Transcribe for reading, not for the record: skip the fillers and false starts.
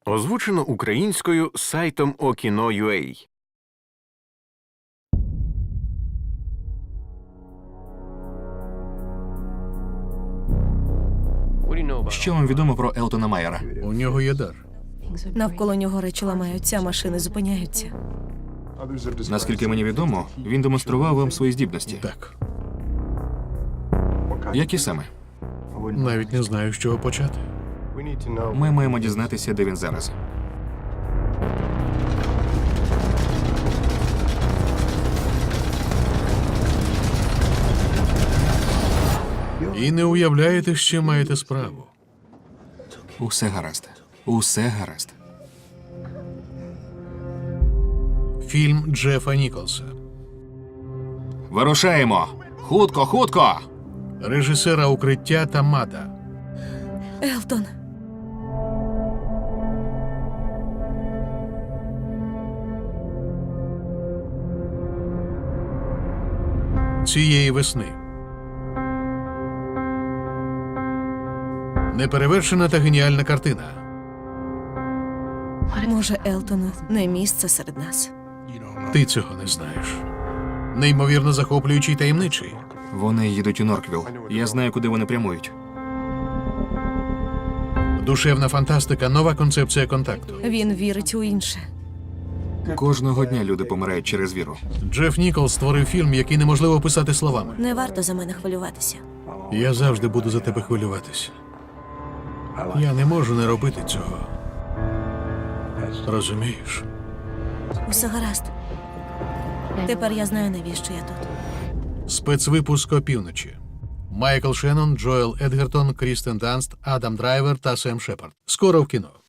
Озвучено українською сайтом Okino.ua. Що вам відомо про Елтона Майера? У нього є дар. Навколо нього речі ламаються, а машини зупиняються. Наскільки мені відомо, він демонстрував вам свої здібності. Так. Які саме? Навіть не знаю, з чого почати. Ми маємо дізнатися, де він зараз. І не уявляєте, з чим маєте справу. Усе гаразд. Усе гаразд. Фільм Джефа Ніколса. Вирушаємо! Хутко, хутко! Режисера «Укриття» та «Мада». Елтон, Цієї весни. Неперевершена та геніальна картина. може, Елтону не місце серед нас. Ти цього не знаєш. Неймовірно захоплюючий, таємничий. Вони їдуть у Норквілл. Я знаю, куди вони прямують. Душевна фантастика, нова концепція контакту. Він вірить у інше. Кожного дня люди помирають через віру. Джеф Ніколс створив фільм, який неможливо описати словами. Не варто за мене хвилюватися. Я завжди буду за тебе хвилюватися. Я не можу не робити цього. Розумієш? Усе гаразд. Тепер я знаю, навіщо я тут. Спецвипуск «Опівночі». Майкл Шеннон, Джоел Едгертон, Крістен Данст, Адам Драйвер та Сем Шепард. Скоро в кіно.